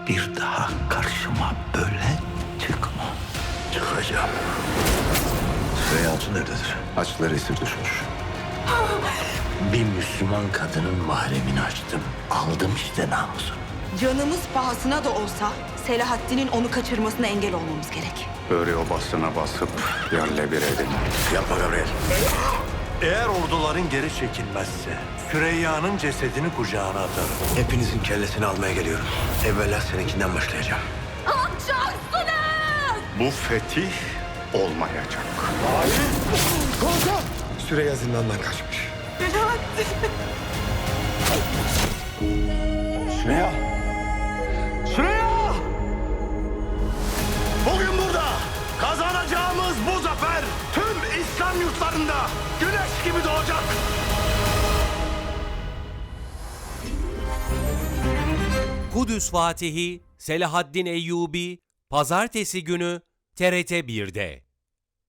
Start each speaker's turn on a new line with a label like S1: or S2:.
S1: Bir daha karşıma böyle çıkma.
S2: Çıkacağım.
S1: Süreyya Hatun nerededir?
S2: Açları esir düşmüş. Bir Müslüman kadının mahremini açtım. Aldım işte namusunu.
S3: Canımız pahasına da olsa Selahaddin'in onu kaçırmasına engel olmamız gerek.
S4: Böre obasına basıp yerle bir edin.
S2: Yapma Gabriel.
S1: Eğer orduların geri çekilmezse Süreyya'nın cesedini kucağına atarım.
S2: Hepinizin kellesini almaya geliyorum. Evvela seninkinden başlayacağım.
S4: Bu fetih olmayacak.
S2: Süreyya zindandan kaçmış.
S4: Süreyya! Süreyya!
S2: Bugün burada kazanacağımız bu zafer tüm İslam yurtlarında güneş gibi doğacak.
S5: Kudüs Fatihi Selahaddin Eyyubi Pazartesi günü TRT 1'de.